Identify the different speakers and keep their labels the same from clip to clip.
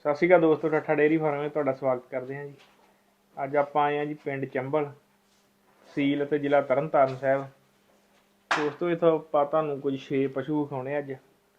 Speaker 1: ਸਤਿ ਸ਼੍ਰੀ ਅਕਾਲ ਦੋਸਤੋ, ਠੱਠਾ dairy farm ਵਿੱਚ ਤੁਹਾਡਾ ਸਵਾਗਤ ਕਰਦੇ ਹਾਂ ਜੀ। ਅੱਜ ਆਪਾਂ ਆਏ ਹਾਂ ਜੀ ਪਿੰਡ ਚੰਬਲ, ਤਹਿਸੀਲ ਅਤੇ ਜ਼ਿਲ੍ਹਾ ਤਰਨਤਾਰਨ ਸਾਹਿਬ। ਦੋਸਤੋ ਇੱਥੋਂ ਆਪਾਂ ਤੁਹਾਨੂੰ ਕੁਝ 6 ਪਸ਼ੂ ਵਿਖਾਉਣੇ ਅੱਜ,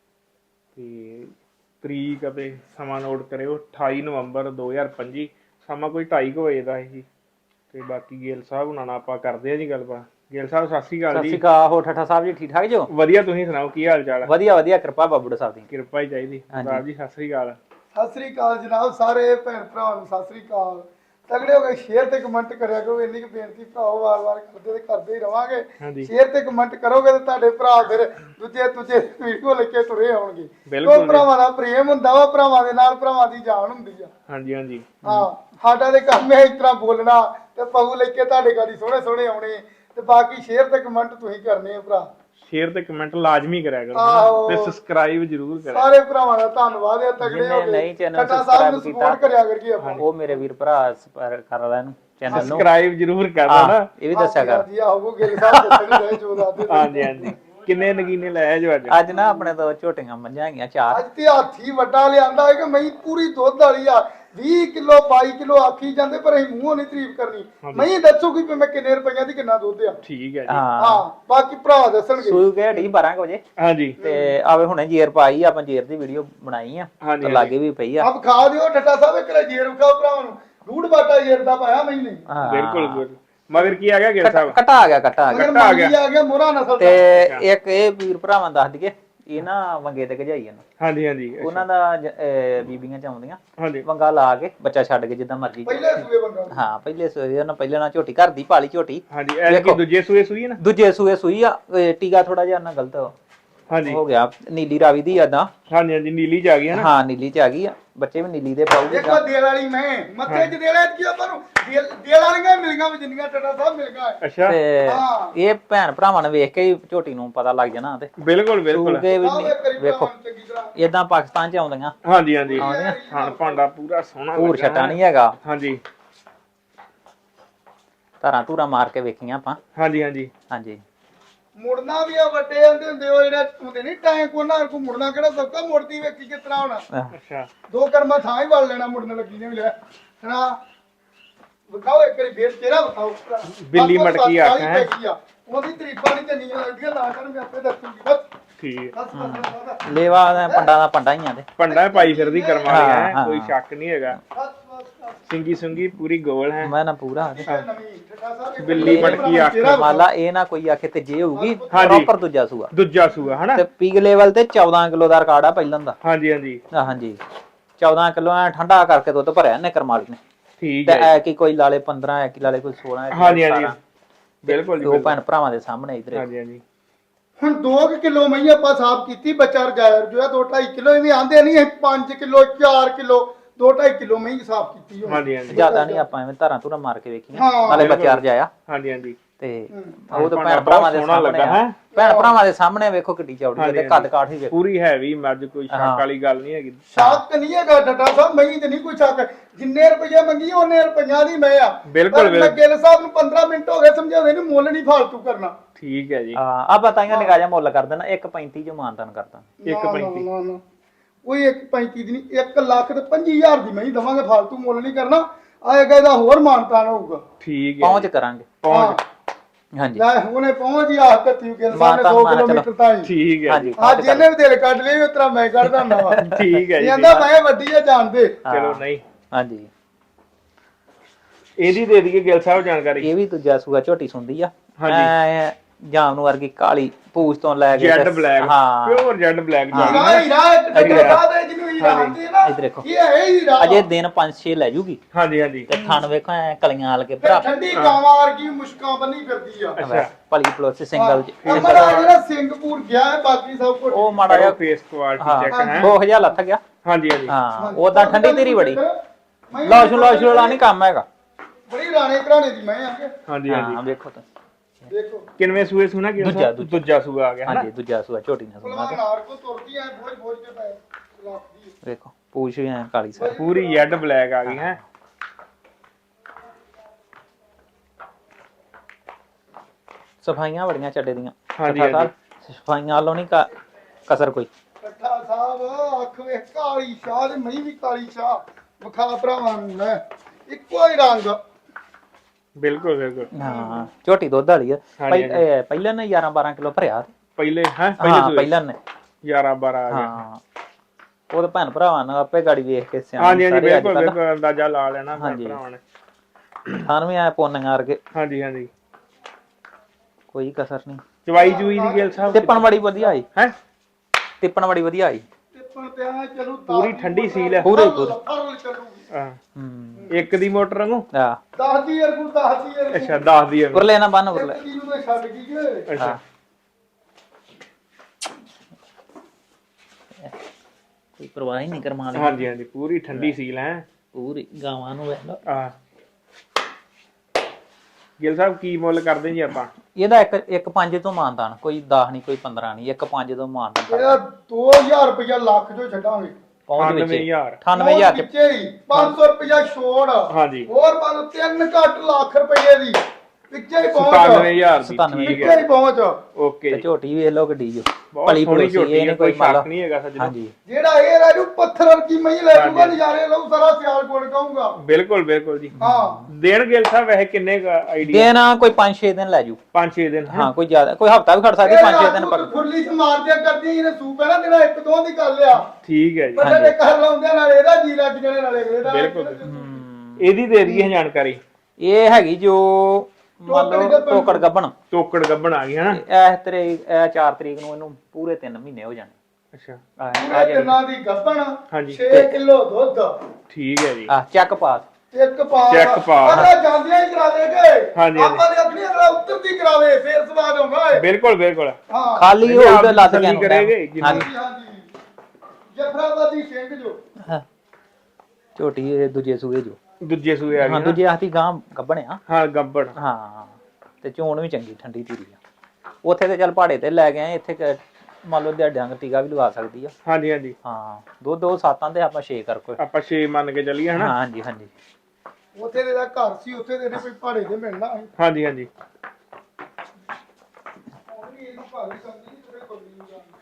Speaker 1: ਤੇ ਤਰੀਕ ਅਤੇ ਸਮਾਂ ਨੋਟ ਕਰਿਓ। 28 ਨਵੰਬਰ 2025, ਸਮਾਂ ਕੋਈ 2:30 ਵਜੇ ਦਾ ਸੀ। ਤੇ ਬਾਕੀ ਗਿੱਲ ਸਾਹਿਬ ਹੁਣਾਂ ਨਾਲ ਆਪਾਂ ਕਰਦੇ ਹਾਂ ਜੀ ਗੱਲਬਾਤ। ਗਿੱਲ ਸਾਹਿਬ ਸਤਿ ਸ਼੍ਰੀ ਅਕਾਲ ਜੀ।
Speaker 2: ਸਤਿ ਸ਼੍ਰੀ ਅਕਾਲ। ਹੋਰ ਠੱਠਾ ਸਾਹਿਬ ਜੀ ਠੀਕ ਠਾਕ ਜੋ?
Speaker 1: ਵਧੀਆ, ਤੁਸੀਂ ਸੁਣਾਓ ਕੀ ਹਾਲ ਚਾਲ?
Speaker 2: ਵਧੀਆ ਵਧੀਆ, ਕਿਰਪਾ ਬਾਬੂ ਸਾਹਿਬ ਦੀ।
Speaker 1: ਕਿਰਪਾ ਹੀ ਚਾਹੀਦੀ। ਸਰਦਾਰ ਜੀ ਸਤਿ ਸ਼੍ਰੀ ਅਕਾਲ।
Speaker 3: ਸਤਿ ਸ੍ਰੀ ਅਕਾਲ ਜਨਾਬ, ਸਾਰੇ ਭੈਣ ਭਰਾਵਾਂ ਨੂੰ ਸਤਿ ਸ੍ਰੀ ਅਕਾਲ। ਤਗੜੇ ਹੋ ਗਏ, ਸ਼ੇਅਰ ਤੇ ਕਮੈਂਟ ਕਰਿਆ ਕਰੋ। ਇੰਨੀ ਕੁ ਬੇਨਤੀ ਭਰਾਓ, ਵਾਰ-ਵਾਰ ਕਰਦੇ ਤੇ ਕਰਦੇ ਹੀ ਰਵਾਂਗੇ। ਸ਼ੇਅਰ ਤੇ ਕਮੈਂਟ ਕਰੋਗੇ ਤੇ ਤੁਹਾਡੇ ਭਰਾ ਫਿਰ ਦੂਜੇ ਵੀਡੀਓ ਲੈ ਕੇ ਤੁਰੇ ਆਉਣਗੇ। ਉਹ ਭਰਾਵਾਂ ਦਾ ਪ੍ਰੇਮ ਹੁੰਦਾ ਵਾ, ਭਰਾਵਾਂ ਦੇ ਨਾਲ ਭਰਾਵਾਂ ਦੀ ਜਾਨ ਹੁੰਦੀ ਆ।
Speaker 1: ਹਾਂਜੀ ਹਾਂਜੀ,
Speaker 3: ਹਾਂ, ਸਾਡਾ ਤੇ ਕੰਮ ਹੈ ਇਸ ਤਰ੍ਹਾਂ ਬੋਲਣਾ ਤੇ ਪਊ ਲੈ ਕੇ ਤੁਹਾਡੇ ਗਾੜੀ ਸੋਹਣੇ ਸੋਹਣੇ ਆਉਣੇ। ਤੇ ਬਾਕੀ ਸ਼ੇਅਰ ਤੇ ਕਮੈਂਟ ਤੁਸੀਂ ਕਰਨੇ ਆ ਭਰਾ।
Speaker 1: ਸ਼ੇਅਰ ਤੇ ਕਮੈਂਟ ਲਾਜ਼ਮੀ ਕਰਿਆ ਕਰੋ ਤੇ ਸਬਸਕ੍ਰਾਈਬ ਜ਼ਰੂਰ ਕਰਿਓ।
Speaker 3: ਸਾਰੇ ਭਰਾਵਾਂ ਦਾ ਧੰਨਵਾਦ ਹੈ। ਤਗੜੇ ਹੋ ਗਏ,
Speaker 2: ਨਹੀਂ ਚੈਨਲ
Speaker 3: ਠੱਠਾ ਸਾਹਿਬ ਨੂੰ ਸਪੋਰਟ ਕਰਿਆ ਕਰੀਏ ਆਪਾਂ।
Speaker 2: ਉਹ ਮੇਰੇ ਵੀਰ ਭਰਾ ਕਰ ਲੈਣ ਨੂੰ ਚੈਨਲ ਨੂੰ
Speaker 1: ਸਬਸਕ੍ਰਾਈਬ ਜ਼ਰੂਰ ਕਰਨਾ ਨਾ।
Speaker 2: ਇਹ ਵੀ ਦੱਸਿਆ ਕਰ
Speaker 3: ਜੀ। ਆਹੋ ਗਿੱਲ ਸਾਹਿਬ ਦੱਸਣ ਦੇ ਜੋ ਦੱਸਦੇ।
Speaker 1: ਹਾਂਜੀ ਹਾਂਜੀ, ਕਿੰਨੇ ਨਗੀਨੇ ਲਾਇਆ ਜੋ
Speaker 2: ਅੱਜ ਨਾ ਆਪਣੇ ਤੋਂ ਝੋਟੀਆਂ ਮੰਝਾਂ ਹੈਗੀਆਂ 4।
Speaker 3: ਅੱਜ ਤੇ ਹਾਥੀ ਵੱਡਾ ਲਿਆਂਦਾ ਹੈ ਕਿ ਮਈ ਪੂਰੀ ਦੁੱਧ ਵਾਲੀ ਆ। 20 ਕਿਲੋ 22 ਕਿਲੋ ਆਖੀ ਜਾਂਦੇ, ਪਰ ਅਸੀਂ ਮੂੰਹੋਂ ਨਹੀਂ ਤਾਰੀਫ ਕਰਨੀ। ਮਈ ਦੱਸੂਗੀ ਵੀ ਮੈਂ ਕਿੰਨੇ ਰੁਪਈਆਂ ਦੀ ਕਿੰਨਾ ਦੁੱਧ ਆ।
Speaker 1: ਠੀਕ ਹੈ ਜੀ।
Speaker 3: ਹਾਂ, ਬਾਕੀ ਭਰਾ ਦੱਸਣਗੇ।
Speaker 2: ਸੂਈ ਕੇ ਢੀ 12 ਵਜੇ।
Speaker 1: ਹਾਂਜੀ,
Speaker 2: ਤੇ ਆਵੇ ਹੁਣੇ ਜੇਰ ਪਾਈ, ਆਪਾਂ ਜੇਰ ਦੀ ਵੀਡੀਓ ਬਣਾਈ ਆ ਤੇ ਲਾਗੇ ਵੀ ਪਈ ਆ।
Speaker 3: ਆਪ ਖਾ ਦਿਓ ਠੱਠਾ ਸਾਹਿਬ, ਇੱਕ ਜੇਰ ਵਿਖਾਓ ਭਰਾਵਾਂ ਨੂੰ। ਡੂੜ ਬਾਟਾ ਜੇਰ ਦਾ ਪਾਇਆ ਮਈ ਨੇ।
Speaker 1: ਬਿਲਕੁਲ। ਮਗਰ ਕੀ ਆ ਗਿਆ ਗਿੱਲ ਸਾਹਿਬ?
Speaker 2: ਕਟਾ ਆ ਗਿਆ, ਕਟਾ ਆ ਗਿਆ।
Speaker 3: ਆ ਗਿਆ ਮੋਹਰਾ ਨਸਲ ਦਾ।
Speaker 2: ਤੇ ਇੱਕ ਇਹ ਵੀਰ ਭਰਾਵਾਂ ਦੱਸ ਦਈਏ, ਇਹ ਨਾ ਵੰਗੇ ਤੇ ਗਜਾਈ ਆ।
Speaker 1: ਹਾਂਜੀ ਹਾਂਜੀ,
Speaker 2: ਉਹਨਾਂ ਦਾ ਬੀਬੀਆਂ ਚ ਆਉਂਦੀਆਂ
Speaker 1: ਹਾਂਜੀ,
Speaker 2: ਵੰਗਾ ਲਾ ਕੇ ਬੱਚਾ ਛੱਡ ਕੇ ਜਿੱਦਾਂ ਮਰਜ਼ੀ।
Speaker 3: ਪਹਿਲੇ ਸੂਏ ਬੰਦਾ।
Speaker 2: ਹਾਂ, ਪਹਿਲੇ ਸੂਏ ਉਹਨਾਂ ਪਹਿਲੇ ਨਾਲ ਝੋਟੀ ਘਰ ਦੀ ਪਾਲੀ ਝੋਟੀ।
Speaker 1: ਹਾਂਜੀ, ਇਹ ਕੀ ਦੂਜੇ ਸੂਏ ਸੂਈ ਨਾ?
Speaker 2: ਦੂਜੇ ਸੂਏ ਸੂਈ ਆ। ਟੀਕਾ ਥੋੜਾ ਜਿਹਾ ਨਾ ਗਲਤ
Speaker 1: ਹਾਂਜੀ
Speaker 2: ਹੋ ਗਿਆ। ਨੀਲੀ ਰਾਵੀ ਦੀ ਆਦਾ।
Speaker 1: ਹਾਂਜੀ ਹਾਂਜੀ, ਨੀਲੀ ਚ ਆ ਗਈ ਹੈ ਨਾ?
Speaker 2: ਹਾਂ, ਨੀਲੀ ਚ ਆ ਗਈ ਆ। ਬੱਚੇ ਵੀ ਨੀਲੀ ਦੇ ਪਾਉਗੇ।
Speaker 3: ਦੇਖੋ ਦੇਲ ਵਾਲੀ ਮੈਂ ਮੱਥੇ ਚ ਦੇਲੇ ਕੀ ਆਪਾਂ ਨੂੰ ਦੇਲ ਵਾਲੀਆਂ ਮਿਲੀਆਂ ਵੀ ਜਿੰਨੀਆਂ ਠੱਠਾ ਸਾਹਿਬ ਮਿਲ ਗਿਆ।
Speaker 1: ਅੱਛਾ,
Speaker 2: ਤੇ ਇਹ ਭੈਣ ਭਰਾਵਾਂ ਨੇ ਵੇਖ ਕੇ ਹੀ ਝੋਟੀ ਨੂੰ ਪਤਾ ਲੱਗ ਜਾਣਾ। ਤੇ
Speaker 1: ਬਿਲਕੁਲ ਬਿਲਕੁਲ।
Speaker 2: ਵੇਖੋ ਇਦਾਂ ਪਾਕਿਸਤਾਨ ਚ ਆਉਂਦੀਆਂ।
Speaker 1: ਹਾਂਜੀ ਹਾਂਜੀ, ਖਾਣ ਭਾਂਡਾ ਪੂਰਾ ਸੋਹਣਾ,
Speaker 2: ਹੋਰ ਛੱਟਾ ਨਹੀਂ ਹੈਗਾ।
Speaker 1: ਹਾਂਜੀ,
Speaker 2: ਧਾਰਾਂ ਧੂਰਾਂ ਮਾਰ ਕੇ ਵੇਖੀਆਂ ਆਪਾਂ।
Speaker 1: ਹਾਂਜੀ ਹਾਂਜੀ
Speaker 3: ਹਾਂਜੀ, ਮੁੜਨਾ ਵੀ ਆ। ਵੱਡੇ ਆਂਦੇ ਹੁੰਦੇ ਉਹ ਜਿਹੜੇ ਹੁੰਦੇ ਨਹੀਂ ਟੈਂਕ, ਉਹਨਾਂ ਕੋ ਮੁੜਨਾ ਕਿਹੜਾ ਸੌਖਾ। ਮੁੜਦੀ ਵੇਖੀ ਕਿਸ ਤਰ੍ਹਾਂ ਹੋਣਾ।
Speaker 1: ਅੱਛਾ,
Speaker 3: ਦੋ ਕਰਮਾ ਥਾਂ ਹੀ ਵੜ ਲੈਣਾ ਮੁੜਨ ਲੱਗੀ ਨੇ। ਮਿਲਿਆ ਹਾਂ, ਵਿਖਾਓ ਇੱਕ ਵਾਰੀ ਫੇਰ ਚਿਹਰਾ ਵਿਖਾਓ।
Speaker 1: ਬਿੱਲੀ ਮਟਕੀ ਅੱਖ ਹੈ।
Speaker 3: ਉਹਦੀ ਤਰੀਫਾਂ ਨਹੀਂ ਚੰਨੀਆਂ ਲੱਗਦੀਆਂ, ਨਾ ਕਰ ਮੈਂ ਆਪੇ ਦੱਸੂਗੀ। ਬਸ
Speaker 1: ਠੀਕ ਹੈ।
Speaker 2: ਲੇਵਾ ਪੰਡਾ ਦਾ ਪੰਡਾ ਹੀ ਆ। ਤੇ
Speaker 1: ਪੰਡਾ ਪਾਈ ਫਿਰਦੀ ਕਰਮ ਵਾਲੀ ਹੈ, ਕੋਈ ਸ਼ੱਕ ਨਹੀਂ ਹੈਗਾ। ਸਿੰਗੀ ਸੁੰਗੀ ਪੂਰੀ ਗੋਲ ਹੈ।
Speaker 2: ਮੈਂ ਨਾ ਪੂਰਾ
Speaker 1: ਬਿੱਲੀ ਮਟਕੀ ਅੱਖ।
Speaker 2: ਮਾਲਾ ਇਹ ਨਾ ਕੋਈ ਆਖੇ ਤੇ ਜੇ ਹੋਊਗੀ ਪ੍ਰੋਪਰ ਦੂਜਾ ਸੂਆ।
Speaker 1: ਦੂਜਾ ਸੂਆ ਹਨਾ।
Speaker 2: ਤੇ ਪੀਕ ਲੈਵਲ ਤੇ 14 ਕਿਲੋ ਦਾ ਰਿਕਾਰਡ ਆ ਪਹਿਲਾਂ ਦਾ।
Speaker 1: ਹਾਂਜੀ ਹਾਂਜੀ
Speaker 2: ਹਾਂਜੀ, 14 ਕਿਲੋ ਐ ਠੰਡਾ ਕਰਕੇ ਦੁੱਧ ਭਰਿਆ ਨੇ ਕਰਮਾਲੀ ਨੇ।
Speaker 1: ਠੀਕ
Speaker 2: ਤੇ
Speaker 1: ਹੈ।
Speaker 2: ਐ ਕੀ ਕੋਈ ਲਾਲੇ 15, ਐ ਕੀ ਲਾਲੇ ਕੋਈ 16।
Speaker 1: ਹਾਂਜੀ ਹਾਂਜੀ, ਬਿਲਕੁਲ ਜੀ।
Speaker 2: ਉਹ ਭੈਣ ਭਰਾਵਾਂ ਦੇ ਸਾਹਮਣੇ ਇਧਰ।
Speaker 1: ਹਾਂਜੀ ਹਾਂਜੀ,
Speaker 3: ਹੁਣ 2 ਕਿਲੋ ਮਈ ਆਪਾਂ ਸਾਫ ਕੀਤੀ। ਬੱਚਾ ਰਜਾਇਰ ਜੋ ਹੈ 2-2.5 ਕਿਲੋ ਵੀ ਆਂਦੇ ਨਹੀਂ। 5 ਕਿਲੋ 4 ਕਿਲੋ 2-2.5 ਕਿਲੋ ਮਈ ਸਾਫ ਕੀਤੀ।
Speaker 1: ਹਾਂਜੀ ਹਾਂਜੀ,
Speaker 2: ਜਿਆਦਾ ਨਹੀਂ ਆਪਾਂ ਐਵੇਂ ਧਾਰਾਂ ਧੂਰਾਂ ਮਾਰ ਕੇ ਵੇਖੀਆਂ। ਨਾਲੇ ਬੱਚਾ ਰਜਾਇਆ।
Speaker 1: ਹਾਂਜੀ ਹਾਂਜੀ,
Speaker 2: ਤੇ ਉਹ ਤਾਂ ਭੈਣ ਭਰਾਵਾਂ ਦੇ ਸਾਹਮਣੇ ਆ। ਭੈਣ ਭਰਾਵਾਂ ਦੇ ਸਾਹਮਣੇ ਵੇਖੋ ਕਿੱਡੀ ਚੌੜੀ ਤੇ ਕੱਦ ਕਾਠ ਹੀ ਵੇਖੋ।
Speaker 1: ਪੂਰੀ ਹੈਵੀ ਮੱਝ, ਕੋਈ ਸ਼ੱਕ ਵਾਲੀ ਗੱਲ ਨਹੀਂ ਹੈਗੀ।
Speaker 3: ਸ਼ੱਕ ਨਹੀਂ ਹੈਗਾ ਠੱਠਾ ਸਾਹਿਬ, ਮਈ ਤੇ ਨਹੀਂ ਕੋਈ ਸ਼ੱਕ। ਜਿੰਨੇ ਰੁਪਏ ਮੰਗੀ ਉਹਨੇ ਰੁਪਈਆਂ ਦੀ ਮੈਂ ਆ।
Speaker 1: ਬਿਲਕੁਲ
Speaker 3: ਮੈਂ ਗਿੱਲ ਸਾਹਿਬ ਨੂੰ 15 ਮਿੰਟ ਹੋ ਗਏ ਸਮਝਾਉਂਦੇ ਨੂੰ, ਮੁੱਲ ਨਹੀਂ ਫਾਲਤੂ ਕਰਨਾ।
Speaker 1: ਠੀਕ ਹੈ ਜੀ।
Speaker 2: ਹਾਂ, ਆਪਾਂ ਤਾਂ ਨਿਕਾ ਜਿਹਾ ਮੁੱਲ ਕਰ ਦੇਣਾ। 1.35 ਜੋ ਮਾਨਤਾਨ ਕਰਦਾ।
Speaker 1: 1.35
Speaker 3: ਕੋਈ 1.35 ਦੀ ਨਹੀਂ, 1,25,000 ਦੀ ਮੈਂ ਹੀ ਦਵਾਂਗੇ। ਫਾਲਤੂ ਮੁੱਲ ਨਹੀਂ ਕਰਨਾ। ਆਏਗਾ ਇਹਦਾ ਹੋਰ ਮਾਨਤਾਨ ਹੋਊਗਾ।
Speaker 1: ਠੀਕ ਹੈ,
Speaker 2: ਪਹੁੰਚ ਕਰਾਂਗੇ।
Speaker 1: ਪਹੁੰਚ।
Speaker 2: ਹਾਂਜੀ,
Speaker 3: ਲੈ ਹੁਣੇ ਪਹੁੰਚ ਹੀ ਆ ਕੇ ਗਿੱਲ ਸਾਹਿਬ ਨੇ 2 ਕਿਲੋਮੀਟਰ ਤਾਈਂ।
Speaker 1: ਠੀਕ ਹੈ।
Speaker 2: ਹਾਂਜੀ,
Speaker 3: ਅੱਜ ਇਹਨੇ ਵੀ ਦਿਲ ਕੱਢ ਲਈ, ਉਤਰਾ ਮੈਂ ਕੱਢਦਾ ਨਾ।
Speaker 1: ਠੀਕ ਹੈ ਜੀ।
Speaker 3: ਕਹਿੰਦਾ ਮੈਂ ਵੱਡੀ ਆ ਜਾਣਦੇ।
Speaker 1: ਚਲੋ ਨਹੀਂ,
Speaker 2: ਹਾਂਜੀ,
Speaker 1: ਇਹਦੀ ਦੇ ਦਈਏ ਗਿੱਲ ਸਾਹਿਬ ਜਾਣਕਾਰੀ।
Speaker 2: ਇਹ ਵੀ ਦੂਜਾ ਸੂਆ ਝੋਟੀ ਸੁੰਦੀ ਆ।
Speaker 1: ਹਾਂਜੀ,
Speaker 2: ਜਾਮ ਨੂੰ ਵਰਗੀ ਕਾਲੀ ਪੂਛ ਤੋਂ ਲੈ ਕੇ
Speaker 1: ਜੈਡ ਬਲੈਕ।
Speaker 2: ਹਾਂ,
Speaker 1: ਪਿਓਰ ਜੈਡ ਬਲੈਕ।
Speaker 3: ਹੀਰਾ ਹੀਰਾ ਇੱਕ ਟੱਕਰ ਸਾਹਿਬ ਜਿਹਨੂੰ ਹੀਰਾ ਆਂਦੇ ਨਾ।
Speaker 2: ਇੱਧਰ ਦੇਖੋ,
Speaker 3: ਇਹ ਹੈ ਹੀਰਾ।
Speaker 2: ਅਜੇ ਦਿਨ 5-6 ਲੈ ਜੂਗੀ।
Speaker 1: ਹਾਂਜੀ ਹਾਂਜੀ,
Speaker 2: ਤੇ ਥਣ ਵੇਖੋ ਐ ਕਲੀਆਂ ਆਲ ਕੇ ਭਰਾ।
Speaker 3: ਠੰਡੀ ਗਾਵਾਂ ਵਰਗੀ ਮੁਸ਼ਕਾਂ ਬੰਨੀ ਫਿਰਦੀ ਆ।
Speaker 1: ਅੱਛਾ,
Speaker 2: ਭਲੀ ਪਲੋਸ ਸਿੰਗਲ
Speaker 3: ਅਮਰਾ ਜਿਹੜਾ ਸਿੰਗਪੁਰ ਗਿਆ ਹੈ, ਬਾਕੀ ਸਭ ਕੁਝ
Speaker 2: ਉਹ ਮਾੜਾ ਜਿਹਾ
Speaker 1: ਫੇਸ ਕੁਆਲਿਟੀ ਚੈੱਕ ਹੈ।
Speaker 2: 2000 ਲੱਥ ਗਿਆ।
Speaker 1: ਹਾਂਜੀ ਹਾਂਜੀ,
Speaker 2: ਹਾਂ, ਉਹਦਾ ਠੰਡੀ ਤੇਰੀ ਬੜੀ। ਲਾਸ਼ੂ ਵਾਲਾ ਨਹੀਂ ਕੰਮ ਹੈਗਾ।
Speaker 3: ਬੜੀ ਰਾਣੇ ਘਰਾਣੇ ਦੀ ਮੈਂ ਆ ਕੇ।
Speaker 1: ਹਾਂਜੀ ਹਾਂਜੀ,
Speaker 2: ਹਾਂ, ਵੇਖੋ ਤਾਂ
Speaker 3: ਦੇਖੋ
Speaker 1: ਕਿੰਨਵੇਂ ਸੂਏ ਸੁਣਾ ਕਿ ਦੂਜਾ ਸੂਆ ਆ ਗਿਆ।
Speaker 2: ਹਾਂਜੀ, ਦੂਜਾ ਸੂਆ ਝੋਟੀ ਨੇ ਸੁਣਾ।
Speaker 3: ਨਾਰ ਕੋ ਤੁਰਦੀ ਐ, ਬੋਝ ਕੇ ਪੈ ਲੱਖਦੀ।
Speaker 2: ਵੇਖੋ ਪੂਛ ਵੀ ਐ ਕਾਲੀ ਸਾਰੀ।
Speaker 1: ਪੂਰੀ ਜੈਡ ਬਲੈਕ ਆ ਗਈ ਹੈ।
Speaker 2: ਸਫਾਈਆਂ ਬੜੀਆਂ ਚੱਡੇ ਦੀਆਂ।
Speaker 1: ਹਾਂਜੀ ਹਾਂਜੀ,
Speaker 2: ਸਫਾਈਆਂ ਵਾਲੋਂ ਨਹੀਂ ਕਸਰ ਕੋਈ।
Speaker 3: ਠੱਠਾ ਸਾਹਿਬ ਅੱਖ ਵੇਖ ਕਾਲੀ ਸ਼ਾਹ ਤੇ ਮਈ ਵੀ ਕਾਲੀ ਸ਼ਾਹ ਵਿਖਾ ਭਰਾਵਾਂ ਨੂੰ ਲੈ ਇੱਕੋ ਹੀ ਰੰਗ
Speaker 1: ਬਿਲਕੁਲ ਬਿਲਕੁਲ
Speaker 2: ਹਾਂ ਝੋਟੀ ਦੁੱਧ ਵਾਲੀ ਆ ਪਹਿਲਾਂ ਨੇ 11 12 ਕਿਲੋ ਭਰਿਆ
Speaker 1: ਪਹਿਲੇ
Speaker 2: ਹਾਂ ਪਹਿਲਾਂ ਨੇ
Speaker 1: 11 12
Speaker 2: ਹਾਂ ਉਹ ਤਾਂ ਭੈਣ ਭਰਾਵਾਂ ਨਾਲ ਆਪੇ ਗਾੜੀ ਵੇਖ ਕੇ ਸਿਆਣੇ
Speaker 1: ਹਾਂਜੀ ਹਾਂਜੀ ਬਿਲਕੁਲ ਬਿਲਕੁਲ ਅੰਦਾਜ਼ਾ ਲਾ ਲੈਣਾ ਭਰਾਵਾਂ ਨੇ
Speaker 2: ਸਾਨੂੰ ਵੀ ਆਏ ਪੁੰਨੀਆਂ ਵਰਗੇ
Speaker 1: ਹਾਂਜੀ ਹਾਂਜੀ
Speaker 2: ਕੋਈ ਕਸਰ ਨਹੀਂ
Speaker 1: ਚਵਾਈ ਚੂਈ ਦੀ ਗਿਲ ਸਾਹਿਬ
Speaker 2: ਤਿੱਪਣ ਬੜੀ ਵਧੀਆ ਆਈ
Speaker 1: ਹੈ
Speaker 2: ਤਿੱਪਣ ਬੜੀ ਵਧੀਆ ਆਈ
Speaker 3: ਟਿੱਪਣ ਤੇ ਆ ਚਲੂ
Speaker 1: ਪੂਰੀ ਠੰਡੀ ਸੀਲ ਹੈ
Speaker 2: ਪੂਰੇ
Speaker 1: ਹਾਂ ਇੱਕ ਦੀ ਮੋਟਰ ਵਾਂਗੂ
Speaker 2: ਆ
Speaker 3: 10 ਦੀ ਅਰਗੂ 10 ਦੀ ਅਰਗੂ
Speaker 1: ਅੱਛਾ 10 ਦੀ ਵਾਂਗੂ
Speaker 2: ਉਰਲੇ ਨਾ ਬੰਨ ਉਰਲੇ
Speaker 3: ਇੱਕ ਦੀ ਨੂੰ ਤਾਂ ਛੱਡ ਗਈ ਜੇ
Speaker 1: ਅੱਛਾ
Speaker 2: ਕੋਈ ਪਰਵਾਹ ਹੀ ਨਹੀਂ ਕਰਮਾਂ ਦੀ
Speaker 1: ਹਾਂਜੀ ਹਾਂਜੀ ਪੂਰੀ ਠੰਡੀ ਸੀਲ ਹੈ
Speaker 2: ਪੂਰੀ ਗਾਵਾਂ ਨੂੰ ਵੇਖ ਲਓ
Speaker 1: ਆ ਗਿਲ ਸਾਹਿਬ ਕੀ ਮੁੱਲ ਕਰਦੇ ਜੀ ਆਪਾਂ
Speaker 2: ਇਹਦਾ ਇੱਕ 5 ਤੋਂ ਮਾਨਦਾਨ ਕੋਈ 10 ਨਹੀਂ ਕੋਈ 15 ਨਹੀਂ ਇੱਕ 5 ਤੋਂ ਮਾਨਦਾਨ
Speaker 3: ਇਹਦਾ 2000 ਰੁਪਇਆ ਲੱਖ ਜੋ ਛੱਡਾਂਗੇ
Speaker 2: ਪਹੁੰਚ ਵਿੱਚ
Speaker 1: 98000
Speaker 2: 98000 ਚ
Speaker 3: ਵਿੱਚੇ ਹੀ 500 ਰੁਪਇਆ ਛੋੜ
Speaker 1: ਹਾਂਜੀ
Speaker 3: ਹੋਰ ਬਾਅਦ 3 ਘੱਟ ਲੱਖ ਰੁਪਏ ਦੀ ਵਿੱਚੇ ਹੀ ਪਹੁੰਚ
Speaker 1: 97000 ਦੀ
Speaker 2: 97,000
Speaker 1: ਠੀਕ
Speaker 3: ਵਿੱਚੇ
Speaker 1: ਹੈ
Speaker 3: ਹੀ ਪਹੁੰਚ
Speaker 1: ਓਕੇ
Speaker 2: ਤੇ ਝੋਟੀ ਵੇਖ ਲਓ ਗੱਡੀ ਜੋ
Speaker 1: ਬਹੁਤ
Speaker 2: ਭਲੀ
Speaker 1: ਸੋਹਣੀ
Speaker 2: ਭਲੀ
Speaker 1: ਝੋਟੀ
Speaker 2: ਇਹ
Speaker 1: ਹੈ
Speaker 2: ਨਹੀਂ
Speaker 1: ਕੋਈ
Speaker 2: ਕੋਈ ਮੰਨ
Speaker 1: ਸ਼ੱਕ ਨਹੀਂ ਹੈਗਾ ਸੱਜਣੋ
Speaker 2: ਹਾਂਜੀ
Speaker 3: ਜਿਹੜਾ ਇਹ ਰਾਜੂ ਪੱਥਰ ਵਰਗੀ ਮਈ ਲੈ ਜੂਗਾ ਨਜ਼ਾਰੇ ਲਊ ਸਾਰਾ ਸਿਆਲ ਕੋਲ ਕਹੂੰਗਾ
Speaker 1: ਬਿਲਕੁਲ ਬਿਲਕੁਲ ਜੀ
Speaker 3: ਹਾਂ
Speaker 1: ਦੇਣ ਗਿਲ ਸਾਹਿਬ ਵੈਸੇ ਕਿੰਨੇ ਆਈਡੀਆ
Speaker 2: ਦੇਣਾ ਕੋਈ 5-6 ਦਿਨ ਲੈ ਜੂ
Speaker 1: 5-6 ਦਿਨ
Speaker 2: ਹਾਂ ਕੋਈ ਜ਼ਿਆਦਾ ਕੋਈ ਹਫਤਾ ਵੀ ਖੜ ਸਕਦੀ 5-6 ਦਿਨ ਪਰ
Speaker 3: ਫੁਰਲੀ ਚ ਮਾਰਦਿਆ ਕਰਦੀ ਇਹਨੇ ਸੂਪ ਹੈ ਨਾ ਜਿਹੜਾ ਇੱਕ ਦੋ ਦੀ ਗੱਲ ਆ
Speaker 1: ਠੀਕ ਹੈ ਜੀ
Speaker 3: ਬੰਦੇ ਨੇ ਕਰ ਲਾਉਂਦੇ ਨਾਲ ਇਹਦਾ ਜੀ ਲੱਗ ਜਾਣੇ ਨਾਲ ਅਗਲੇ ਦਾ
Speaker 1: ਬਿਲਕੁਲ ਇਹਦੀ ਦੇ ਦਈਏ ਜਾਣਕਾਰੀ
Speaker 2: ਇਹ ਹੈਗੀ ਜੋ ਮੰਨ ਲਓ ਟੋਕੜ ਗੱਬਣ
Speaker 1: ਟੋਕੜ ਗੱਬਣ ਆ ਗਈ ਹਨਾ
Speaker 2: ਇਹ ਤਰੀਕ ਇਹ 4 ਤਰੀਕ ਨੂੰ ਇਹਨੂੰ ਪੂਰੇ 3 ਮਹੀਨੇ ਹੋ ਜਾਣੇ
Speaker 1: ਅੱਛਾ
Speaker 2: ਆ ਜਿਹੜੀ
Speaker 3: ਤਿੰਨਾਂ ਦੀ ਗੱਭਣ
Speaker 1: ਹਾਂਜੀ
Speaker 3: 6 ਕਿਲੋ ਦੁੱਧ
Speaker 1: ਠੀਕ ਹੈ ਜੀ
Speaker 2: ਆ ਚੈੱਕ ਪਾਸ
Speaker 3: ਇੱਕ ਪਾਸ
Speaker 1: ਚੈੱਕ ਪਾਸ।
Speaker 3: ਅਗਲਾ ਜਾਂਦਿਆਂ ਹੀ ਕਰਾ ਦੇਗੇ
Speaker 1: ਹਾਂਜੀ।
Speaker 3: ਆਪਾਂ ਨੇ ਆਪਣੀ ਅਗਲਾ ਉੱਤਰਦੀ ਕਰਾਵੇ ਫੇਰ ਸਵਾਦ ਆਉਂਦਾ ਏ
Speaker 1: ਬਿਲਕੁਲ ਬਿਲਕੁਲ
Speaker 3: ਹਾਂ
Speaker 2: ਖਾਲੀ ਹੋਊ ਤੇ ਲੱਦ
Speaker 1: ਤਸੱਲੀ
Speaker 2: ਕੇ
Speaker 1: ਕਰੇਗੇ
Speaker 2: ਹਾਂਜੀ
Speaker 1: ਜਿੰਨੀ
Speaker 3: ਹਾਂਜੀ ਹਾਂਜੀ ਜਫਰਾਬਾਦੀ ਸਿੰਘ ਜੋ
Speaker 2: ਝੋਟੀ ਇਹ ਦੂਜੇ ਸੂਏ ਜੋ
Speaker 1: ਦੂਜੇ ਸੂਏ ਆ
Speaker 2: ਹਾਂ
Speaker 1: ਗਈ
Speaker 2: ਦੂਜੇ ਹੱਥੀ ਗਾਂ ਗੱਬਣਿਆ
Speaker 1: ਹਾਂ ਗੱਬੜ
Speaker 2: ਹਾਂ ਤੇ ਚੋਣ ਵੀ ਚੰਗੀ ਠੰਡੀ ਧੀਰੀ ਆ ਉੱਥੇ ਤੇ ਚੱਲ ਪਹਾੜੇ ਤੇ ਲੈ ਗਏ ਇੱਥੇ ਮੰਨ ਲਓ ਡੰਗ ਟੀਕਾ ਵੀ ਲਗਾ ਸਕਦੀ ਆ
Speaker 1: ਹਾਂਜੀ ਹਾਂਜੀ
Speaker 2: ਹਾਂ ਦੁੱਧ ਉਹ 7 ਤੇ ਆਪਾਂ 6 ਕਰ ਕੋਈ
Speaker 1: ਆਪਾਂ 6 ਮੰਨ ਕੇ ਚੱਲੀਏ ਹਨਾ
Speaker 2: ਹਾਂਜੀ ਹਾਂਜੀ
Speaker 3: ਉੱਥੇ ਦੇ ਦਾ ਘਰ ਸੀ ਉੱਥੇ ਦੇ ਨੇ ਕੋਈ ਪਹਾੜੇ ਤੇ ਮਿਲਣਾ ਸੀ
Speaker 1: ਹਾਂਜੀ ਹਾਂਜੀ
Speaker 3: ਉਹਦੀ ਇਹਦੀ ਭਾਰੀ ਸੰਦੀ ਤੇ ਕੋਈ ਨਹੀਂ ਜਾਣਦਾ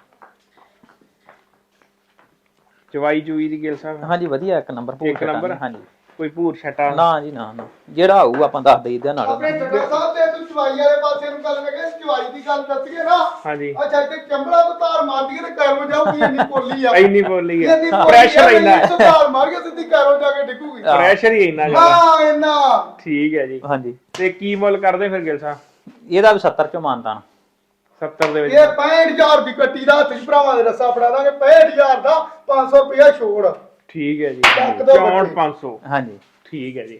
Speaker 1: ਚਵਾਈ ਚੂਈ ਦੀ ਗਿਲ ਸਾਹਿਬ
Speaker 2: ਹਾਂਜੀ ਵਧੀਆ ਇੱਕ ਨੰਬਰ
Speaker 1: ਇੱਕ ਨੰਬਰ?
Speaker 2: ਹਾਂਜੀ
Speaker 1: ਕੋਈ ਭੂਰ ਛਟਾ
Speaker 2: ਨਾ ਜੀ ਨਾ ਨਾ ਜਿਹੜਾ ਆਊ ਆਪਾਂ ਦੱਸ ਦੇਈਦਾ ਨਾਲ
Speaker 3: ਆਪਣੇ ਜੱਗਾ ਸਾਹਿਬ ਤੇ ਤੂੰ ਚਵਾਈ ਵਾਲੇ ਪਾਸੇ ਨੂੰ ਗੱਲ ਲਗੇ ਚਵਾਈ ਦੀ ਗੱਲ ਦੱਸੀਏ ਨਾ
Speaker 1: ਹਾਂਜੀ
Speaker 3: ਅੱਛਾ ਇੱਥੇ ਚੰਬਲਾ ਤੋਂ ਤਾਰ ਮਾਰਦੀ ਤੇ ਕੈਰੋ ਜਾਊਗੀ ਇੰਨੀ ਪੋਲੀ ਆ
Speaker 1: ਇੰਨੀ ਬੋਲੀ ਹੈ
Speaker 3: ਇੰਨੀ ਪੋਲੀ
Speaker 1: ਪ੍ਰੈਸ਼ਰ ਇੰਨਾ ਹੈ
Speaker 3: ਤਾਰ ਮਾਰ ਕੇ ਸਿੱਧੀ ਕੈਰੋ ਜਾ ਕੇ ਡਿੱਗੂਗੀ
Speaker 1: ਪ੍ਰੈਸ਼ਰ ਹੀ ਇੰਨਾ ਜ਼ਿਆਦਾ
Speaker 3: ਹਾਂ ਇੰਨਾ
Speaker 1: ਠੀਕ ਹੈ ਜੀ
Speaker 2: ਹਾਂਜੀ
Speaker 1: ਤੇ ਕੀ ਮੁੱਲ ਕਰਦੇ ਫਿਰ ਗਿਲ ਸਾਹਿਬ
Speaker 2: ਇਹਦਾ ਵੀ 70 ਚੋਂ ਮਾਨਦਾਨ
Speaker 1: 70 ਦੇ ਵਿੱਚ
Speaker 3: ਇਹ 65000 ਦੀ ਕੱਟੀ ਦਾ ਹੱਥ ਚ ਭਰਾਵਾਂ ਦੇ ਰੱਸਾ ਫੜਾ ਦਾਂਗੇ 65000 ਦਾ 500 ਰੁਪਇਆ ਛੋੜ
Speaker 1: ਠੀਕ ਹੈ ਜੀ
Speaker 3: ਚੱਕ ਦਿਓ
Speaker 1: 64,500
Speaker 2: ਹਾਂਜੀ
Speaker 1: ਠੀਕ ਹੈ ਜੀ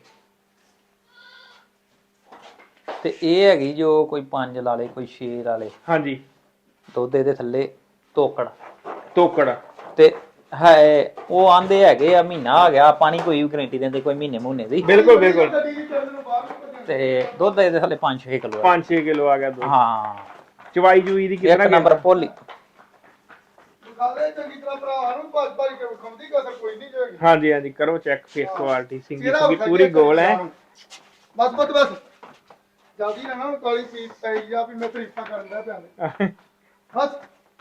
Speaker 2: ਤੇ ਇਹ ਹੈਗੀ ਜੋ ਕੋਈ 5 ਲਾ ਲੇ ਕੋਈ 6 ਲਾ ਲੇ
Speaker 1: ਹਾਂਜੀ
Speaker 2: ਦੁੱਧ ਇਹਦੇ ਥੱਲੇ ਤੋਕੜ
Speaker 1: ਤੋਕੜ
Speaker 2: ਤੇ ਹੈ ਉਹ ਆਂਦੇ ਹੈਗੇ ਆ ਮਹੀਨਾ ਆ ਗਿਆ ਪਾਣੀ ਕੋਈ ਵੀ ਗਰੰਟੀ ਦਿੰਦੇ ਕੋਈ ਮਹੀਨੇ ਦੀ
Speaker 1: ਬਿਲਕੁਲ ਬਿਲਕੁਲ
Speaker 3: ਗੱਡੀ ਚ ਚੱਲਣ ਨੂੰ ਬਾਹਰ ਨੂੰ ਭੱਜਣ।
Speaker 2: ਤੇ ਦੁੱਧ ਇਹਦੇ ਥੱਲੇ 5-6 ਕਿਲੋ
Speaker 1: 5-6 ਕਿਲੋ ਆ ਗਿਆ ਦੁੱਧ
Speaker 2: ਹਾਂ
Speaker 1: ਚਵਾਈ ਚੂਈ ਦੀ
Speaker 2: ਇੱਕ
Speaker 1: ਕਿੰਨਾ
Speaker 2: ਨੰਬਰ ਭੋਲੀ
Speaker 3: ਗੱਲ ਚੰਗੀ ਤਰ੍ਹਾਂ ਭਰਾਵਾਂ ਨੂੰ ਭੱਜ ਭੱਜ ਕੇ ਵਿਖਾਉਂਦੀ ਕਸਰ ਕੋਈ ਨਹੀਂ ਜਾਏਗੀ
Speaker 1: ਹਾਂਜੀ ਹਾਂਜੀ ਕਰੋ ਚੈੱਕ ਫੇਸ ਕੁਆਲਿਟੀ ਸਿੰਗੀ
Speaker 3: ਜਿਹੜਾ
Speaker 1: ਸਿੰਗੀ
Speaker 3: ਵਿਖਾ
Speaker 1: ਪੂਰੀ
Speaker 3: ਕੇ
Speaker 1: ਗੋਲ ਹੈ
Speaker 3: ਬਸ ਬਸ ਬਸ ਜਲਦੀ ਨਾ ਨਾ ਕਾਲੀ ਪੀਟ ਪਈ ਜਾ ਵੀ ਮੈਂ ਤਰੀਫਾਂ ਕਰਨ ਦਾ ਪਿਆ ਬਸ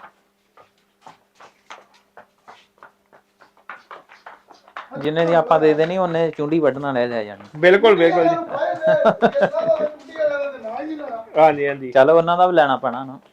Speaker 2: ਜਿੰਨੇ ਦੀ ਆਪਾਂ ਦੇ ਦੇਣੀ ਉਹਨੇ ਚੁੰਡੀ ਵੱਢਣਾ ਲੈ ਜਾਣੀ
Speaker 1: ਬਿਲਕੁਲ ਬਿਲਕੁਲ ਜੀ
Speaker 3: ਜੀ
Speaker 1: ਹਾਂਜੀ ਹਾਂਜੀ
Speaker 2: ਚਲੋ ਉਹਨਾਂ ਦਾ ਵੀ ਲੈਣਾ ਪੈਣਾ ਨਾ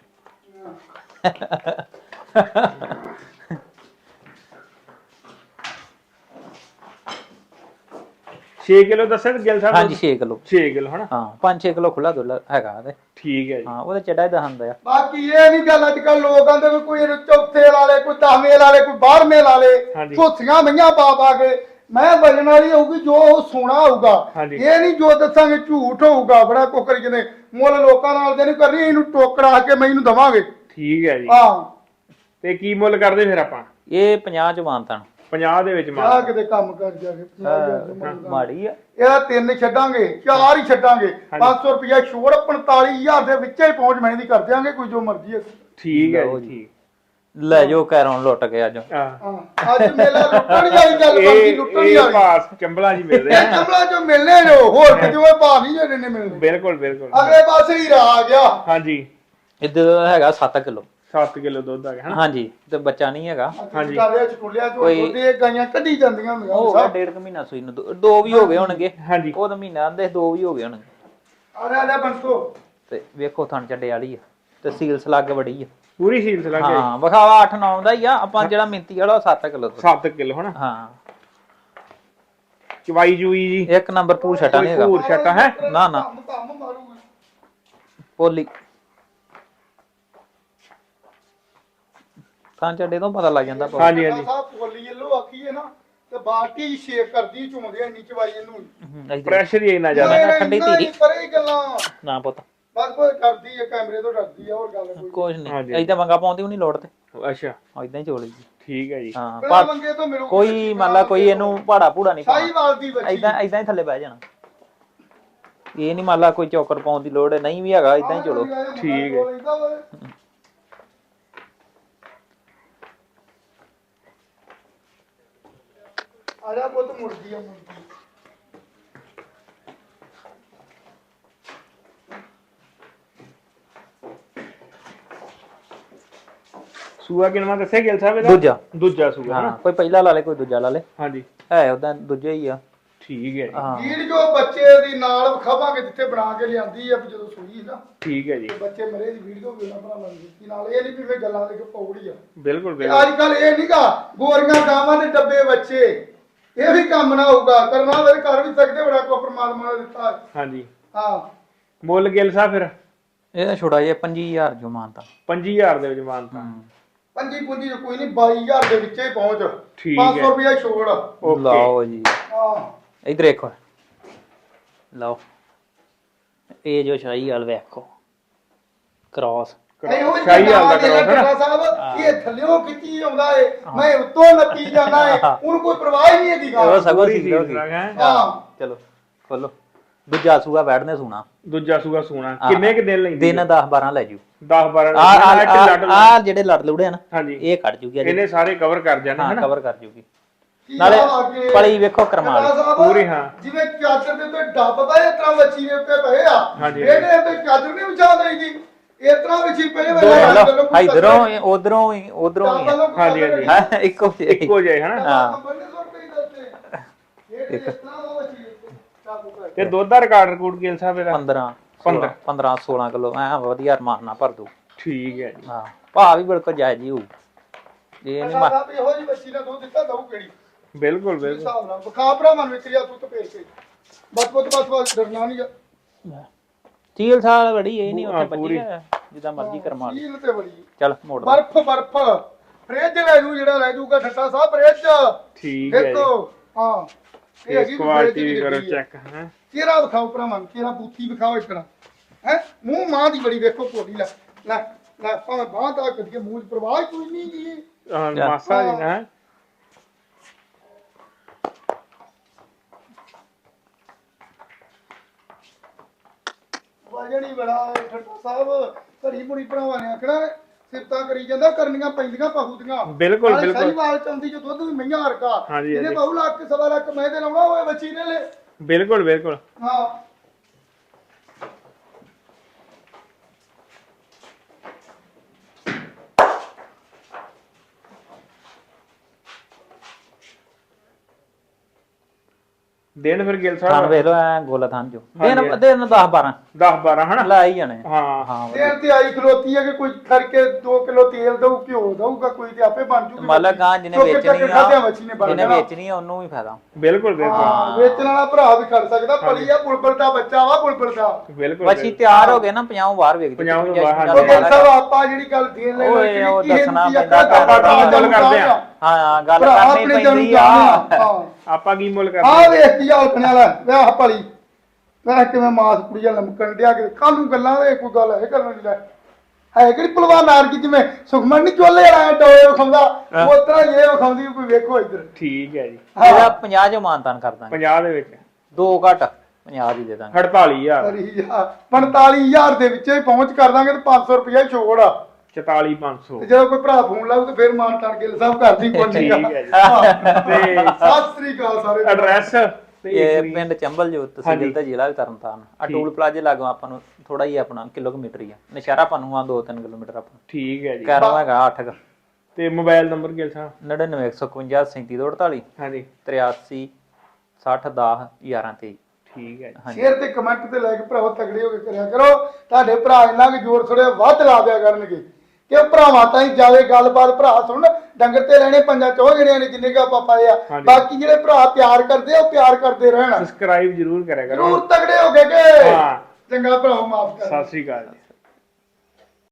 Speaker 1: 6 ਕਿਲੋ ਦੱਸਿਆ ਤੇ ਗਿਲ ਸਾਹਿਬ
Speaker 2: ਹਾਂਜੀ 6 ਕਿਲੋ
Speaker 1: 6 ਕਿਲੋ ਹਨਾ
Speaker 2: ਹਾਂ 5-6 ਕਿਲੋ ਖੁੱਲਾ ਦੁੱਧ ਹੈਗਾ ਤੇ
Speaker 1: ਠੀਕ ਹੈ ਜੀ
Speaker 2: ਹਾਂ ਉਹਦੇ ਚੜਾ ਹੀ ਦਹੰਦਾ ਆ
Speaker 3: ਬਾਕੀ ਇਹ ਨਹੀਂ ਗੱਲ ਅੱਜ ਕੱਲ ਲੋਕ ਆਂਦੇ ਵੀ ਕੋਈ ਇਹਨੂੰ ਚੌਥੇ ਲਾ ਲੇ ਕੋਈ 10ਵੇਂ ਲਾ ਲੇ ਕੋਈ 12ਵੇਂ ਲਾ ਲੇ
Speaker 1: ਹਾਂਜੀ।
Speaker 3: ਝੋਥੀਆਂ ਮਈਆਂ ਪਾ ਪਾ ਕੇ ਮੈਂ ਵਜਣ ਵਾਲੀ ਹੋਊਗੀ ਜੋ ਉਹ ਸੋਨਾ ਹੋਊਗਾ
Speaker 1: ਹਾਂਜੀ।
Speaker 3: ਇਹ ਨਹੀਂ ਜੋ ਦੱਸਾਂਗੇ ਝੂਠ ਹੋਊਗਾ ਬੜਾ ਕੋਕਰੀ ਜਿਹਨੇ ਮੁੱਲ ਲੋਕਾਂ ਨਾਲ ਦੇ ਨਹੀਂ ਕਰਨੀ ਇਹਨੂੰ ਟੋਕਰਾ ਕੇ ਮੈਨੂੰ ਦਵਾਂਗੇ
Speaker 1: ਠੀਕ ਹੈ ਜੀ
Speaker 3: ਹਾਂ
Speaker 1: ਤੇ ਕੀ ਮੁੱਲ ਕਰਦੇ ਫਿਰ ਆਪਾਂ
Speaker 2: ਇਹ 50 ਚ ਮਾਨਤਨ
Speaker 1: 50 ਦੇ ਵਿੱਚ
Speaker 3: ਜਾ
Speaker 1: ਮਾਰ
Speaker 3: ਕਿਤੇ ਕੰਮ ਕਰ ਜਾ ਕੇ
Speaker 2: ਮਾੜੀ ਆ
Speaker 3: ਇਹਦਾ 3 ਛੱਡਾਂਗੇ 4 ਹੀ ਛੱਡਾਂਗੇ 500 ਰੁਪਇਆ ਛੋੜ 45000 ਦੇ ਵਿੱਚ ਹੀ ਪਹੁੰਚ ਮੈਂ ਦੀ ਕਰ ਦਿਆਂਗੇ ਕੋਈ ਜੋ ਮਰਜ਼ੀ ਹੈ
Speaker 1: ਠੀਕ ਹੈ
Speaker 2: ਲਓ
Speaker 1: ਜੀ
Speaker 2: ਜੀ।
Speaker 1: ਠੀਕ
Speaker 2: ਲੈ ਜੋ ਕੈਰੋਂ ਲੁੱਟ ਕੇ ਅੱਜ
Speaker 1: ਹਾਂ
Speaker 3: ਹਾਂ ਅੱਜ ਮੇਲਾ ਲੁੱਟਣ ਵਾਲੀ ਗੱਲ ਬਾਕੀ ਲੁੱਟਣ
Speaker 1: ਇਹ
Speaker 3: ਵਾਲੀ
Speaker 1: ਪਾਸ ਚੰਬਲਾ ਜੀ ਮਿਲਦੇ
Speaker 3: ਇਹ
Speaker 1: ਆ
Speaker 3: ਚੰਬਲਾ ਚੋਂ ਮਿਲਨੇ ਜੋ ਹੋਰ ਕਿਤੇ ਭਾਅ ਨਹੀਂ ਜਿਹੜੇ ਨੇ ਮਿਲਨੇ
Speaker 1: ਬਿਲਕੁਲ ਬਿਲਕੁਲ
Speaker 3: ਅਗਲੇ ਪਾਸੇ ਹੀ ਆ ਗਿਆ
Speaker 1: ਹਾਂਜੀ
Speaker 2: ਇੱਧਰ ਦਾ ਹੈਗਾ 7 ਕਿਲੋ
Speaker 1: 7 ਕਿਲੋ ਦੁੱਧ ਆ ਗਿਆ ਹਨਾ।
Speaker 2: ਹਾਂਜੀ ਤੇ ਬੱਚਾ ਨਹੀਂ ਹੈਗਾ।
Speaker 3: ਹਾਂਜੀ ਕਾਲਿਆ ਚੁੱਲਿਆ ਜੋ ਦੁੱਧ ਇਹ ਗਾਈਆਂ ਕੱਢੀ ਜਾਂਦੀਆਂ ਹੁੰਦੀਆਂ
Speaker 2: ਉਹ
Speaker 3: ਸਾਹਿਬ।
Speaker 2: 1.5 ਮਹੀਨਾ ਸੂਈ ਨੂੰ ਦੋ ਵੀ ਹੋ ਗਏ ਹੋਣਗੇ।
Speaker 1: ਹਾਂਜੀ
Speaker 2: ਉਹ ਤਾਂ ਮਹੀਨਾ ਆਂਦੇ 2 ਵੀ ਹੋ ਗਏ ਹੋਣਗੇ।
Speaker 3: ਆ ਲੈ ਬੰਤੋ
Speaker 2: ਤੇ ਵੇਖੋ ਥਣ ਚੱਡੇ ਵਾਲੀ ਆ ਤੇ ਸੀਲ ਸਲੱਗ ਬੜੀ ਆ।
Speaker 1: ਪੂਰੀ ਸੀਲ ਸਲਾ ਕੇ
Speaker 2: ਹਾਂ ਵਿਖਾਵਾ 8-9 ਦਾ ਹੀ ਆ। ਆਪਾਂ ਜਿਹੜਾ ਮਿੰਤੀ ਵਾਲਾ ਉਹ 7 ਕਿਲੋ
Speaker 1: 7 ਕਿਲੋ ਹਨਾ।
Speaker 2: ਹਾਂ
Speaker 1: ਚਵਾਈ ਜੂਈ ਜੀ
Speaker 2: ਇੱਕ ਨੰਬਰ ਪੂਰ ਛਟਾ ਨਹੀਂ ਹੈਗਾ।
Speaker 1: ਪੂਰ ਛਟਾ ਹੈ
Speaker 2: ਨਾ ਨਾ
Speaker 3: ਕੰਮ ਮਾਰੂਗਾ
Speaker 2: ਪੋਲੀ ਥਣ ਚੱਡੇ ਤੋਂ ਪਤਾ ਲੱਗ ਜਾਂਦਾ।
Speaker 1: ਹਾਂਜੀ ਹਾਂਜੀ
Speaker 3: ਸਾਹਿਬ ਪੋਲੀ ਯੈਲੋ ਆਖੀਏ ਨਾ ਤੇ ਬਾਟੀ ਸ਼ੇਕ ਕਰਦੀ ਚੁੰਮਦੇ ਇੰਨੀ ਚਵਾਈ ਇਹਨੂੰ
Speaker 1: ਪ੍ਰੈਸ਼ਰ ਹੀ ਇੰਨਾ ਜ਼ਿਆਦਾ
Speaker 2: ਜ਼ਿਆਦਾ ਠੰਡੀ ਧੀਰੀ
Speaker 3: ਪਰੇ ਹੀ ਗੱਲਾਂ
Speaker 2: ਨਾ ਪੁੱਤ
Speaker 3: ਬਸ ਕੋਈ ਕਰਦੀ ਹੈ ਕੈਮਰੇ ਤੋਂ ਡਰਦੀ ਆ ਹੋਰ ਗੱਲ ਕੋਈ
Speaker 2: ਕੁਝ ਨਹੀਂ ਐਦਾਂ ਮੰਗਾ ਪਾਉਂਦੀ ਉਹ ਨਹੀਂ ਲੋੜ ਤੇ
Speaker 1: ਅੱਛਾ
Speaker 2: ਐਦਾਂ ਹੀ ਚੋਲੀ ਜੀ।
Speaker 1: ਠੀਕ ਹੈ ਜੀ
Speaker 2: ਹਾਂ
Speaker 3: ਬਿਨਾਂ ਮੰਗੇ ਤੋਂ ਮਿਲੂ
Speaker 2: ਕੋਈ ਮੰਨ ਲਾ ਕੋਈ ਇਹਨੂੰ ਪਹਾੜਾ ਪੂੜਾ ਨਹੀਂ ਪਾਉਣਾ।
Speaker 3: ਸਾਈਵਾਲ ਦੀ ਬੱਚੀ
Speaker 2: ਐਦਾਂ ਐਦਾਂ ਹੀ ਥੱਲੇ ਬਹਿ ਜਾਣਾ। ਇਹ ਨਹੀਂ ਮੰਨ ਲਾ ਕੋਈ ਚੌਕਰ ਪਾਉਣ ਦੀ ਲੋੜ ਨਹੀਂ ਵੀ ਹੈਗਾ ਐਦਾਂ ਹੀ ਚੋਲੋ।
Speaker 1: ਠੀਕ ਹੈ।
Speaker 3: ਆ ਜਾ ਪੁੱਤ ਮੁਰਗੀ ਆ ਮੁਰਗੀ
Speaker 1: ਸੂਆ ਕਿੰਨਾ ਦੱਸਿਆ ਗਿਲ ਸਾਹਿਬ ਇਹਦਾ? ਦੂਜਾ ਸੂਆ
Speaker 2: ਹਾਂ
Speaker 1: ਹਨਾ।
Speaker 2: ਕੋਈ ਪਹਿਲਾ ਲਾ ਲੇ ਕੋਈ ਦੂਜਾ ਲਾ ਲੇ
Speaker 1: ਹਾਂਜੀ
Speaker 2: ਹੈ ਉਹਦਾ ਦੂਜਾ ਹੀ ਆ।
Speaker 1: ਠੀਕ ਹੈ ਜੀ
Speaker 2: ਹਾਂ
Speaker 3: ਵੀਡੀਓ ਬੱਚੇ ਦੀ ਨਾਲ ਵਿਖਾਵਾਂਗੇ ਜਿੱਥੇ ਬਣਾ ਕੇ ਲਿਆਂਦੀ ਆ ਜਦੋਂ ਸੂਈ ਨਾ
Speaker 1: ਠੀਕ ਹੈ ਜੀ
Speaker 3: ਤੇ ਬੱਚੇ ਮਰੇ ਦੀ ਵੀਡੀਓ ਵੀ ਉਹਨਾਂ ਬਣਾਵਾਂਗੇ ਕਿ ਨਾਲ ਇਹ ਨਹੀਂ ਵੀ ਫੇ ਗੱਲਾਂ ਦੇ ਕੇ ਪੌੜੀ ਆ
Speaker 1: ਬਿਲਕੁਲ
Speaker 3: ਤੇ
Speaker 1: ਬਿਲਕੁਲ
Speaker 3: ਅੱਜ ਕੱਲ ਇਹ ਨਹੀਂਗਾ ਗੋਰੀਆਂ ਗਾਵਾਂ ਦੇ ਡੱਬੇ ਬੱਚੇ ਇਹ ਵੀ ਕੰਮ ਨਾ ਹੋਊਗਾ ਕਰਨਾ ਹੋਵੇ ਕਰ ਵੀ ਸਕਦੇ ਬੜਾ ਕੋ ਪਰਮਾਤਮਾ ਨੇ ਦਿੱਤਾ ਹੈ।
Speaker 1: ਹਾਂਜੀ
Speaker 3: ਹਾਂ
Speaker 1: ਮੁੱਲ ਗਿਲ ਸਾਹਿਬ ਫਿਰ
Speaker 2: ਇਹਦਾ ਛੋੜਾ ਜਿਹਾ 25000 ਜੋ ਮਾਨਤਾ
Speaker 1: 5000 ਦੇ ਵਿੱਚ ਮਾਨਤਾ
Speaker 3: ਪੰਜੀ ਪੁੰਜੀ ਚ ਕੋਈ ਨਹੀਂ 22000 ਦੇ ਵਿੱਚੇ ਹੀ ਪਹੁੰਚ
Speaker 1: ਠੀਕ ਹੈ।
Speaker 3: 500 ਰੁਪਇਆ ਛੋੜ
Speaker 1: ਓਕੇ
Speaker 2: ਲਓ ਜੀ
Speaker 3: ਹਾਂ
Speaker 2: ਇਧਰ ਦੇਖੋ ਲਓ ਇਹ ਜੋ ਸ਼ਾਹੀ ਵਾਲ ਵੇਖੋ ਕ੍ਰਾਸ
Speaker 3: ਇਹੋ ਹੀ
Speaker 1: ਸ਼ਾਹੀ ਹਾਲ ਦਾ
Speaker 3: ਗੱਲਾਂ
Speaker 1: ਕਰੋ
Speaker 3: ਡਾਕਟਰ ਸਾਹਿਬ ਇਹ ਥੱਲਿਓਂ ਖਿੱਚੀ ਆਉਂਦਾ ਏ ਮੈਂ ਉੱਤੋਂ ਨੱਪੀ ਜਾਂਦਾ ਏ ਉਹਨੂੰ ਕੋਈ ਪਰਵਾਹ ਹੀ ਨਹੀਂ ਹੈਗੀ
Speaker 2: ਉਹ
Speaker 3: ਗੱਲ
Speaker 2: ਸਗੋਂ
Speaker 1: ਪੂਰੀ
Speaker 2: ਸੀ
Speaker 1: ਸੀਲ ਸਲਾ ਕੇ, ਹੈਂ?
Speaker 3: ਹਾਂ
Speaker 2: ਚਲੋ ਖੋਲੋ ਦੂਜਾ ਸੂਆ ਬੈਠਨੇ ਸੁਣਾ
Speaker 1: ਦੂਜਾ ਸੂਆ ਸੂਣਾ ਕਿੰਨੇ ਕਿ ਦਿਨ ਲੈਂਦੀ
Speaker 2: ਦਿਨ 10-12 ਲੈ ਜੂ
Speaker 1: 10 12
Speaker 2: ਆ ਜਿਹੜੇ ਲੜ ਲੁੜੇ ਆ ਨਾ
Speaker 1: ਹਾਂਜੀ
Speaker 2: ਇਹ ਕੱਢ ਜੂਗੀ
Speaker 1: ਇਹਨੇ ਸਾਰੇ ਕਵਰ ਕਰ ਜਾਣੇ
Speaker 2: ਹਾਂ
Speaker 1: ਹਨਾ
Speaker 2: ਕਵਰ ਕਰ ਜੂਗੀ
Speaker 3: ਕੀ
Speaker 2: ਨਾਲੇ
Speaker 3: ਹਾਲ ਆ ਕਿ
Speaker 2: ਪਲੀ ਵੇਖੋ ਕਰਮਾਲ
Speaker 3: ਡਾਕਟਰ ਸਾਹਿਬ,
Speaker 1: ਪੂਰੀ ਹਾਂ।
Speaker 3: ਜਿਵੇਂ ਚਾਦਰ ਦੇ ਉੱਤੇ ਡੱਬ ਪਏ ਇਸ ਤਰ੍ਹਾਂ ਮੱਛੀ ਦੇ ਉੱਤੇ ਪਏ ਆ
Speaker 1: ਹਾਂਜੀ।
Speaker 3: ਇਹਦੇ ਉੱਤੇ ਚਾਦਰ ਨਹੀਂ ਵਿਛਾ ਦੇਈਦੀ ਇਸ ਤਰ੍ਹਾਂ ਮੱਛੀ ਪਏ
Speaker 2: ਇਧਰੋਂ ਉਧਰੋਂ ਹੀ ਉਧਰੋਂ ਹੀ
Speaker 1: ਹਾਂਜੀ, ਹਾਂਜੀ।
Speaker 2: ਹਾਂ ਇੱਕੋ ਜਿਹੀ।
Speaker 1: ਇੱਕੋ ਜਿਹਾ ਹਨਾ
Speaker 2: ਹਾਂ।
Speaker 1: ਤੇ ਦੁੱਧ ਦਾ ਰਿਕਾਰਡ ਰਿਕੂਡ ਗਿਲ ਸਾਹਿਬ ਇਹਦਾ
Speaker 2: 15 16 ਕਿਲੋ ਐ ਵਧੀਆ ਰਮਾਨ ਨਾਲ ਭਰ ਦੂ
Speaker 1: ਠੀਕ ਹੈ ਜੀ
Speaker 2: ਹਾਂ ਭਾਅ ਵੀ ਬਿਲਕੁਲ ਜਾਇਜ਼ ਹੀ ਹੋਊ ਇਹ ਨਹੀਂ
Speaker 3: ਇਹੋ ਜਿਹੀ ਮੱਛੀ ਦਾ ਦੁੱਧ ਦਿੱਤਾ ਦਊ ਕਿਹੜੀ
Speaker 1: ਬਿਲਕੁਲ ਬਿਲਕੁਲ
Speaker 3: ਹਿਸਾਬ ਨਾਲ ਬਖਾ ਭਰਾ ਮਨ ਵਿੱਚ ਰਿਆ ਤੂੰ ਤੇ ਪੇਰ ਕੇ ਬਸ ਡਰਨਾ ਨਹੀਂ
Speaker 2: ਚੀਲ ਸਾਲ ਬੜੀ ਇਹ ਨਹੀਂ ਉੱਥੇ
Speaker 1: ਪੂਰੀ।
Speaker 2: ਬੱਜੀ ਹੈ ਜਿੱਦਾਂ ਮਰਜ਼ੀ ਕਰਮਾ
Speaker 3: ਝੀਲ ਤੇ ਬੜੀ
Speaker 2: ਚੱਲ ਮੋੜ
Speaker 3: ਬਰਫ ਫ੍ਰਿਜ ਲੈ ਜੂ ਜਿਹੜਾ ਲੈ ਜੂਗਾ ਠੱਟਾ ਸਾਹਿਬ ਫ੍ਰਿਜ
Speaker 1: ਠੀਕ ਹੈ
Speaker 3: ਦੇਖੋ
Speaker 1: ਜੀ
Speaker 3: ਹਾਂ
Speaker 1: ਇਸ ਕੁਆਲਿਟੀ ਵੀ ਕਰੋ ਚੈੱਕ ਹੈ
Speaker 3: ਚਿਹਰਾ ਵਿਖਾਓ ਭਰਾਵਾਂ ਚਿਹਰਾ ਬੂਥੀ ਵਿਖਾਓ ਇੱਕ ਨਾ ਹੈ ਮੂੰਹ ਮਾਂ ਦੀ ਬੜੀ ਵੇਖੋ ਕੋਲੀ ਲੈ ਲੈ ਲੈ ਭਾਵੇਂ ਬਾਹ ਤਾਂ ਕਰੀਏ ਮੂੰਹ 'ਚ ਪ੍ਰਵਾਹ ਕੋਈ ਨਹੀਂ ਜੀ
Speaker 1: ਮਾਸਾ ਜੀ ਨਾ
Speaker 3: ਵਜਣੀ ਬੜਾ ਹੈ ਠੱਟਾ ਸਾਹਿਬ ਘੜੀ ਮੁੜੀ ਭਰਾਵਾਂ ਨੇ ਆਖਣਾ ਸਿਫਤਾਂ ਕਰੀ ਜਾਂਦਾ ਕਰਨੀਆਂ ਪੈਂਦੀਆਂ ਪਹੂ ਦੀਆਂ
Speaker 1: ਬਿਲਕੁਲ ਬਿਲਕੁਲ
Speaker 3: ਸਾਈਵਾਲ ਚੌਂਦੀ ਜੋ ਦੁੱਧ ਵੀ ਮਈਆਂ ਹਰਕਾ
Speaker 1: ਹਾਂਜੀ,
Speaker 3: ਇਹਨੇ
Speaker 1: ਹਾਂਜੀ।
Speaker 3: ਬਹੁ ਲੱਖ ਕੇ ਸਵਾ ਲੱਖ ਮੈਂ ਤੇ ਲਾਉਣਾ ਹੋਏ ਬੱਚੀ ਨੇ ਲੈ
Speaker 1: ਬਿਲਕੁਲ ਬਿਲਕੁਲ
Speaker 3: ਹਾਂ
Speaker 1: ਦਿਨ ਫਿਰ ਗਿਲ
Speaker 2: ਥਾਨ
Speaker 1: ਸਾਹਿਬ
Speaker 2: ਵੇਖ ਲੋ ਐ ਗੋਲਾ ਥਾਨ ਜੋ
Speaker 1: ਹਾਂਜੀ।
Speaker 2: ਦਿਨ 10 12
Speaker 1: 10 12 ਹਨਾ
Speaker 2: ਲੈ ਹੀ ਜਾਣੇ
Speaker 1: ਹਾਂ
Speaker 2: ਹਾਂ ਵਧੀਆ।
Speaker 3: ਤੇਲ ਤੇ ਆਈ ਖਲੋਤੀ ਹੈ ਕਿ ਕੋਈ ਕਰਕੇ 2 ਕਿਲੋ ਤੇਲ ਦਊ ਘਿਓ ਦਊਗਾ ਕੋਈ ਤੇ ਆਪੇ ਬਣ ਜੂਗੀ
Speaker 2: ਮਾਲਕ ਗਾਂ ਜਿਹਨੇ
Speaker 3: ਚੁੱਕ ਕੇ
Speaker 2: ਵੇਚਣੀ
Speaker 3: ਖਾਧਿਆਂ
Speaker 2: ਆ
Speaker 3: ਮੱਛੀ ਨੇ ਬਣ
Speaker 2: ਜਿਹਨੇ
Speaker 3: ਜਾਣਾ।
Speaker 2: ਵੇਚਣੀ ਆ ਉਹਨੂੰ ਵੀ ਫਾਇਦਾ
Speaker 1: ਬਿਲਕੁਲ ਬਿਲਕੁਲ
Speaker 3: ਹਾਂ ਵੇਚਣ ਵਾਲਾ ਭਰਾ ਵੀ ਖੜ ਸਕਦਾ ਭਲੀ ਆ ਬੁਲਬੁਲ ਦਾ ਬੱਚਾ ਵਾ ਬੁਲਬੁਲ ਦਾ
Speaker 1: ਬਿਲਕੁਲ
Speaker 2: ਮੱਛੀ ਤਿਆਰ ਹੋ ਗਏ ਨਾ 50 ਬਾਹਰ ਵੇਚ
Speaker 1: 50 ਤੋਂ ਬਾਹਰ,
Speaker 3: ਉਹ ਗੱਲ ਸਾਹਿਬ ਆਪਾਂ ਜਿਹੜੀ ਗੱਲ ਦੇਣ ਲੈ
Speaker 2: ਓਏ, ਉਹ ਦੱਸਣਾ ਪੈਂਦਾ
Speaker 1: ਆਪਾਂ ਗੱਲ ਕਰਦੇ ਆ।
Speaker 2: ਹਾਂ ਗੱਲ
Speaker 3: ਭਰਾ
Speaker 2: ਕਰਨੀ
Speaker 3: ਆਪਣੇ ਜਨ
Speaker 2: ਪੈਂਦੀ
Speaker 3: ਜਾਣਦੇ
Speaker 2: ਆ
Speaker 3: ਹਾਂ
Speaker 1: ਆਪਾਂ ਕੀ ਮੁੱਲ
Speaker 3: ਆ
Speaker 1: ਕਰਦੇ
Speaker 3: ਵੇਖ ਕੀ ਹਾਲਕਣੇ ਵਾਲਾ ਵਿਆਹ ਭਲੀ ਮੈਂ ਕਿਵੇਂ ਮਾਸ ਕੁੜੀਆਂ ਲਮਕਣ ਡਿਆ ਕਿ ਕੱਲ ਨੂੰ ਗੱਲਾਂ ਦੇ ਕੋਈ ਗੱਲ ਹੈ ਕਰਨ ਦੀ ਲੈ ਹੈ ਕਿਹੜੀ ਭਲਵਾਨ ਨਾਰ ਕੀ ਜਿਵੇਂ ਸੁਖਮਨ ਨਹੀਂ ਚੋਲੇ ਵਾਲਾ ਟੋਏ ਵਿਖਾਉਂਦਾ ਉਸ ਤਰ੍ਹਾਂ ਇਹ ਵਿਖਾਉਂਦੀ ਕੋਈ ਵੇਖੋ ਇੱਧਰ
Speaker 1: ਠੀਕ ਹੈ ਜੀ
Speaker 2: ਇਹਦਾ 50 ਜੋ ਮਾਨਤਾਨ ਕਰ ਦਾਂਗੇ
Speaker 1: 50 ਦੇ ਵਿੱਚ
Speaker 2: 2 ਘੱਟ 50 ਦੀ ਦੇ ਦਾਂਗੇ
Speaker 1: 48000
Speaker 3: ਅਰੇ ਯਾਰ 45000 ਦੇ ਵਿੱਚ ਹੀ ਪਹੁੰਚ ਕਰ ਦਾਂਗੇ ਤੇ 500 ਰੁਪਇਆ ਛੋੜ ਆ
Speaker 1: 44500
Speaker 3: ਤੇ ਜਦੋਂ ਕੋਈ ਭਰਾ ਫੋਨ ਲਾਊ ਤੇ ਫਿਰ ਮਾਨ ਟਾਰ ਗਿੱਲ ਸਾਹਿਬ ਕਰਦੀ ਕੋਈ
Speaker 1: ਠੀਕ ਹੈ ਜੀ
Speaker 3: ਹਾਂ।
Speaker 1: ਤੇ
Speaker 3: ਸਤਿ ਸ੍ਰੀ ਅਕਾਲ ਸਾਰੇ
Speaker 1: ਐਡਰੈਸ
Speaker 2: ਇਹ ਪਿੰਡ ਚੰਬਲ ਜੋ ਤਹਿਸੀਲ ਤੇ ਜ਼ਿਲ੍ਹਾ ਵੀ ਤਰਨਤਾਰਨ ਆ ਟੂਲ ਪਲਾਜ਼ੇ ਲਾਗੋਂ ਆਪਾਂ ਨੂੰ ਥੋੜਾ ਹੀ ਆਪਣਾ ਕਿਲੋਮੀਟਰ ਹੀ ਆ ਨਸ਼ਹਿਰਾ ਆਪਾਂ ਨੂੰ ਆ 2-3 ਕਿਲੋਮੀਟਰ ਆਪਾਂ
Speaker 1: ਠੀਕ ਹੈ ਜੀ
Speaker 2: ਕੈਰੋਂ ਹੈਗਾ 8 ਕ
Speaker 1: ਤੇ ਮੋਬਾਈਲ ਨੰਬਰ ਗਿਲ ਸਾਹਿਬ
Speaker 2: 99 151 3748
Speaker 1: ਹਾਂਜੀ
Speaker 2: 83 60 10 11 23
Speaker 1: ਠੀਕ ਹੈ ਜੀ
Speaker 3: ਸ਼ੇਅਰ ਤੇ ਕਮੈਂਟ ਤੇ ਲੈ ਕੇ ਭਰਾਵਾ ਤਗੜੇ ਹੋ ਕੇ ਕਰਿਆ ਕਰੋ ਤੁਹਾਡੇ ਭਰਾ ਇੰਨਾ ਕਿ ਜ਼ੋਰ ਥੋੜੇ ਵੱਧ ਲਾ ਦਿਆ ਕਰਨਗੇ ਕਿ ਭਰਾਵਾਂ ਤਾਂ ਹੀ ਜਾਵੇ ਗੱਲਬਾਤ ਭਰਾ ਸੁਣ ਡੰਗਰ ਤੇ ਰਹਿਣੇ ਪੰਜਾਂ ਚੋਂ ਜਿਹੜਿਆਂ ਨੇ ਜਿੰਨੇ ਕਾ ਆਪਾਂ ਪਾਏ ਆ ਬਾਕੀ ਜਿਹੜੇ ਭਰਾ ਪਿਆਰ ਕਰਦੇ ਉਹ ਪਿਆਰ ਕਰਦੇ ਰਹਿਣ
Speaker 1: ਸਬਸਕ੍ਰਾਈਬ ਜ਼ਰੂਰ ਕਰਿਆ ਕਰੋ
Speaker 3: ਜ਼ਰੂਰ ਤਗੜੇ ਹੋ ਕੇ ਕਿ ਚੰਗਾ ਭਰਾਵਾ ਮਾਫ ਕਰ
Speaker 1: ਸਤਿ ਸ੍ਰੀ ਅਕਾਲ ਜੀ